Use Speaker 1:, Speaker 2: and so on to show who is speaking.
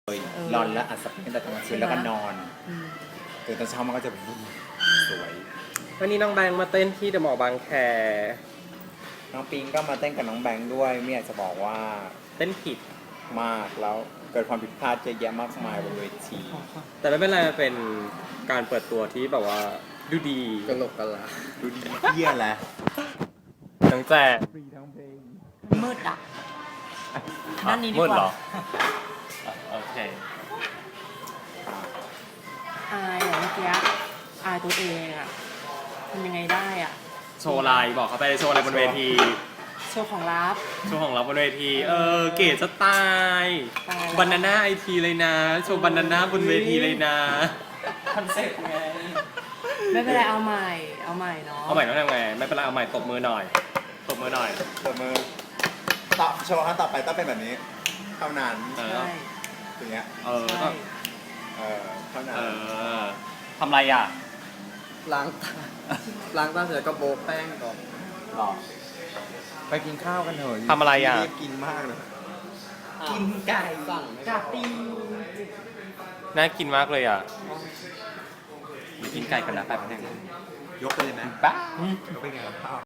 Speaker 1: นอนแล้วอัดสปริงแต่กลางคืนแล้วก็นอนตื่นตอนเช้ามันก็จะสวย
Speaker 2: วันนี้น้องแบงค์มาเต้นที่เดอะมอลล์บางแค
Speaker 1: น้องปิงก็มาเต้นกับน้องแบงค์ด้วยไม่อยากจะบอกว่า
Speaker 2: เต้นผิด
Speaker 1: มากแล้วเกิดความผิดพลาดเยอะแยะมากมายบนเวที
Speaker 2: แต่ไม่เป็นไรมันเป็นการเปิดตัวที่แบบว่าดูดี
Speaker 3: กระโหลกกะลา
Speaker 1: ดูดีเยี่ยแหละ
Speaker 2: น้องแจ
Speaker 1: ฟรีทั้งเพลง
Speaker 4: มืดอ่ะ ด้านนี้ดีกว่า
Speaker 2: มืดเหรอโอเค
Speaker 4: อายเหรอเมื่อกี้อายตัวเองอ่ะทำยังไงได้อ่ะ
Speaker 2: โชว์อะไรบอกเขาไปโชว์อะไรบนเวที
Speaker 4: โชว์ของลับ
Speaker 2: โชว์ของเราบนเวที เก๋จะตาย
Speaker 4: ตายแล้ว
Speaker 2: บานาน่าไอทีเลยนะ โชว์บานาน่าบนเวทีเลยนะ
Speaker 4: คอนเซ็ปต์ไงไม่เป็นไรเอาใหม่เนาะ
Speaker 2: เอาใหม่ต้องทำไงไม่เป็นไรเอาใหม่ตบมือหน่อยตบมือหน่อย
Speaker 1: ตบมือต่อโชว์ครั้งต่อไปต้องเป็นแบบนี้เท่านั้น
Speaker 2: เออ
Speaker 4: ใช่
Speaker 1: อย่างเงี้ย
Speaker 4: ใช่
Speaker 1: เท่านั้น
Speaker 2: ทำไรอ่ะ
Speaker 3: ล้างตาล้างตาเสร็จก็โบกแป้งก่อน
Speaker 1: หรอไปกินข้าวกันเถอะ
Speaker 2: ทำอะไรอ่ะ
Speaker 1: รีบกินมากเลย
Speaker 3: กินไก่สั่งไม่
Speaker 4: กาตี
Speaker 2: น่ากินมากเลยอ่ะกินไก่กันนะแป๊บนึง
Speaker 1: ยกไปเลยไหม
Speaker 2: ป๊ะ
Speaker 1: ยกไปไงกับข้าว